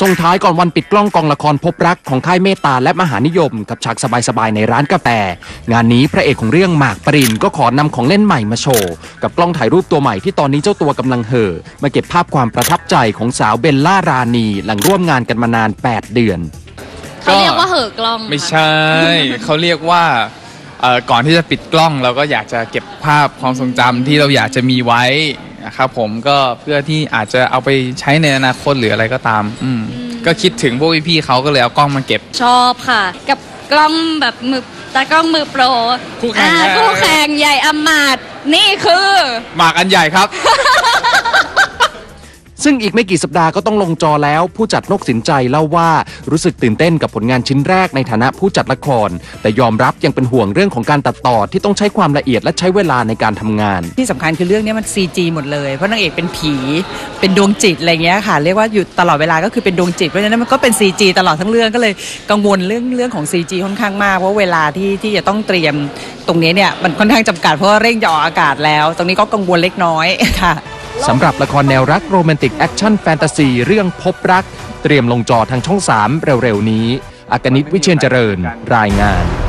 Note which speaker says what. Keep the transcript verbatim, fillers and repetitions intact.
Speaker 1: ส่งท้ายก่อนวันปิดกล้องกองละครพบรักของค่ายเมตตาและมหานิยมกับฉากสบายๆในร้านกาแฟงานนี้พระเอกของเรื่องหมากปรินก็ขอนำของเล่นใหม่มาโชว์กับกล้องถ่ายรูปตัวใหม่ที่ตอนนี้เจ้าตัวกำลังเห่อมาเก็บภาพความประทับใจของสาวเบลล่ารานีหลังร่วมงานกันมานานแปดเดือน
Speaker 2: เขาเรียกว่าเห่อกล้อง
Speaker 3: ไม่ใช่เขาเรียกว่าก่อนที่จะปิดกล้องเราก็อยากจะเก็บภาพความทรงจำที่เราอยากจะมีไว้นะครับผมก็เพื่อที่อาจจะเอาไปใช้ในอนาคตหรืออะไรก็ตามอืมก็คิดถึงพวกพี่ๆเขาก็เลยเอากล้องมาเก็บ
Speaker 2: ชอบค่ะกับกล้องแบบมือตากล้องมือโปร
Speaker 3: คู่แข่ง
Speaker 2: คู่แข่งใหญ่อมาตย์นี่คือ
Speaker 3: หมากอันใหญ่ครับ
Speaker 1: ซึ่งอีกไม่กี่สัปดาห์ก็ต้องลงจอแล้วผู้จัดนกสินใจเล่าว่ารู้สึกตื่นเต้นกับผลงานชิ้นแรกในฐานะผู้จัดละครแต่ยอมรับยังเป็นห่วงเรื่องของการตัดต่อที่ต้องใช้ความละเอียดและใช้เวลาในการทำงาน
Speaker 4: ที่สำคัญคือเรื่องนี้มัน ซี จี หมดเลยเพราะนางเอกเป็นผีเป็นดวงจิตอะไรเงี้ยค่ะเรียกว่าอยู่ตลอดเวลาก็คือเป็นดวงจิตเพราะฉะนั้นมันก็เป็น ซี จี ตลอดทั้งเรื่องก็เลยกังวลเรื่องเรื่องของ ซี จี ค่อนข้างมากเพราะเวลาที่ที่จะต้องเตรียมตรงนี้เนี่ยมันค่อนข้างจำกัดเพราะว่าเร่งจะออกอากาศแล้วตรงนี้ก็กังวลเล็กน้อยค่ะ
Speaker 1: สำหรับละครแนวรักโรแมนติกแอคชั่นแฟนตาซีเรื่องพบรักเตรียมลงจอทางช่องสามเร็วๆนี้อากนิต วิเชียรเจริญรายงาน